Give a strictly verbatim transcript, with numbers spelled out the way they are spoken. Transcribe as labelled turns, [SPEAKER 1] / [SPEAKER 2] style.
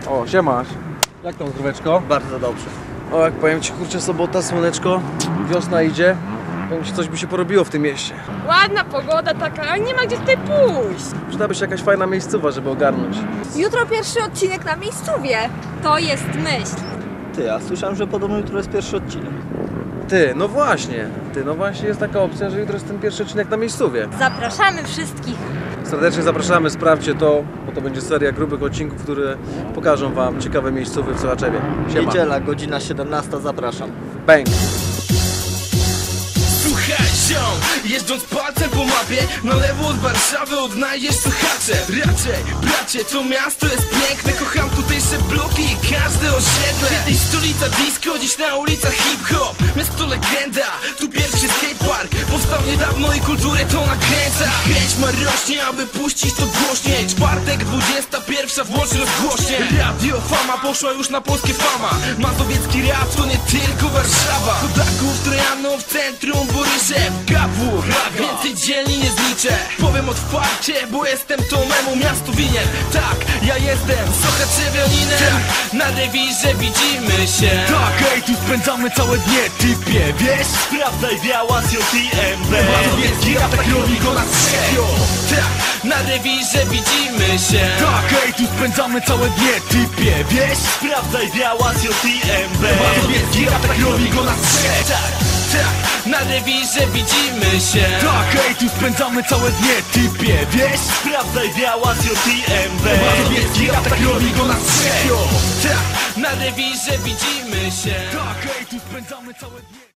[SPEAKER 1] O, siemasz. Jak tam zdróweczko?
[SPEAKER 2] Bardzo dobrze.
[SPEAKER 1] O, jak powiem ci, kurczę, sobota, słoneczko, wiosna idzie. Powiem ci, coś by się porobiło w tym mieście.
[SPEAKER 3] Ładna pogoda taka, ale nie ma gdzie tutaj pójść.
[SPEAKER 1] Przydałaby się jakaś fajna miejscowa, żeby ogarnąć.
[SPEAKER 4] Jutro pierwszy odcinek na miejscowie. To jest myśl.
[SPEAKER 2] Ty, ja słyszałem, że podobno jutro jest pierwszy odcinek.
[SPEAKER 1] Ty, no właśnie. Ty, no właśnie jest taka opcja, że jutro jest ten pierwszy odcinek na miejscowie.
[SPEAKER 4] Zapraszamy wszystkich.
[SPEAKER 1] Serdecznie zapraszamy, sprawdźcie to, bo to będzie seria grubych odcinków, które pokażą wam ciekawe miejscowe w Sochaczewie. Siema.
[SPEAKER 2] Niedziela, godzina siedemnasta, zapraszam.
[SPEAKER 1] Bang!
[SPEAKER 5] Słuchaj, ziom, jeżdżąc palcem po mapie, na lewo od Warszawy odnajdziesz Sochacze. Raczej, bracie, to miasto jest piękne, kocham tutejsze bloki i każde osiedle. Kiedyś stolica disco, dziś na ulicach hip-hop. Miasto legenda, tu pierwszy skatepark powstał niedawno i kulturę to nakręca. Chęć ma rośnie, aby puścić to głośniej. Czwartek, dwudziesta pierwsza, włącz rozgłośnie. Radio Fama poszła już na polskie Fama. Mazowiecki rap to nie tylko Warszawa. Chodaków, Trojanów, centrum, Boryszew, Gabur, więcej dzielni nie zliczę. Powiem otwarcie, bo jestem to memu miastu winien. Tak, ja jestem Sochaczewianinem. Tak, na rewirze widzimy się.
[SPEAKER 6] Tak, ej, tu spędzamy całe dnie, typie, wiesz? Sprawdzaj biała z J T M B.
[SPEAKER 5] Mazowiecki rap tak robi go na trzech. Tak, na rewirze widzimy się.
[SPEAKER 6] Tak, ej, tu spędzamy całe dnie, typie, wiesz? Sprawdzaj biała z J T M B.
[SPEAKER 5] Mazowiecki rap tak robi go na trzech. Tak, tak, na rewirze widzimy się.
[SPEAKER 6] Tak, ej, tu spędzamy całe dnie, typie, wiesz? Sprawdzaj biała z J T M B.
[SPEAKER 5] Mazowiecki rap tak robi go na trzech. Tak, na rewirze widzimy się.
[SPEAKER 6] Tak, ej, tu spędzamy całe dnie.